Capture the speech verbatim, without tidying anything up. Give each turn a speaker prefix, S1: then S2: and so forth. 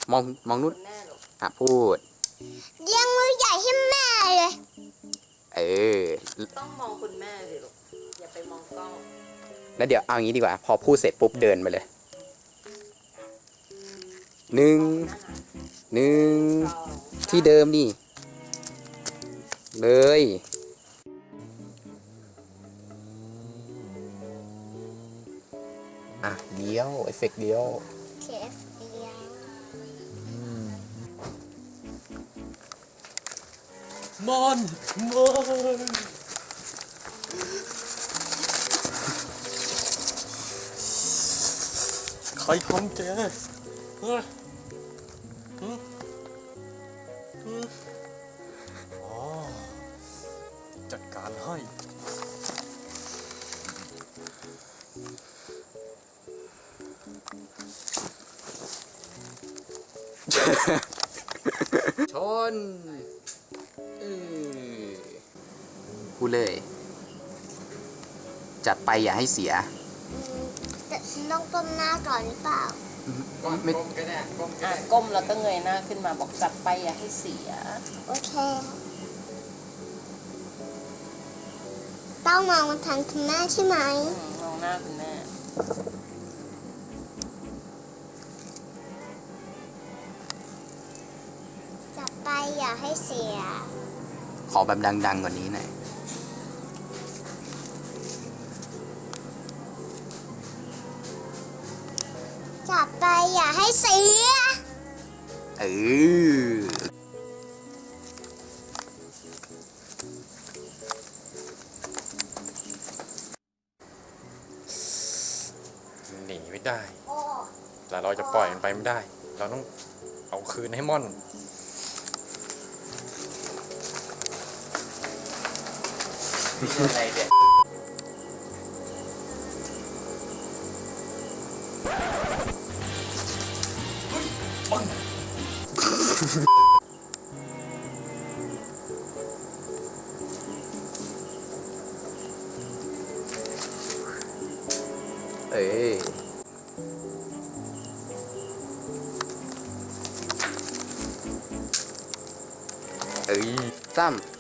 S1: มองมองนู้นอ่ะพูด
S2: ยังมือใหญ่ให้แม่เลย
S1: เออ
S3: ต้องมองคุณแม่สิลูกอย่าไปมองกล้อง
S1: แล้วเดี๋ยวเอางี้ดีกว่าพอพูดเสร็จปุ๊บเดินไปเลยหนึ่งหนึ่งที่เดิมนี่เลยอ่ะเดียวเอฟเฟกต์เดียว
S2: เคฟเดียว
S4: มอนมอนใครทำแกฮะฮะฮะอ๋อจัดการให้
S1: ชนพูดเลยจัดไปอย่าให้เสีย
S2: แต่ฉันต้องก้มหน้าก่อนหรือเปล่า
S1: ไม่
S3: ก้มก็ได้ก้มอ่ะก้มแล้วก็เงยหน้าขึ้นมาบอกจัดไปอย่าให้เสีย
S2: โอเคต้องมองมาทางคุณแม่ใช่ไหม
S3: มองหน้าคุณแม่
S2: จับไปอย่าให้เสีย
S1: ขอแบบดังๆกว่านี้หน่อย
S2: จับไปอย่าให้เสีย
S1: เออ
S4: หนีไม่ได้แต่เราจะปล่อยมันไปไม่ได้เราต้องเอาคืนให้ม่อน
S1: อะไรเนี่ยเอ้ยเอ้ยซ้ำ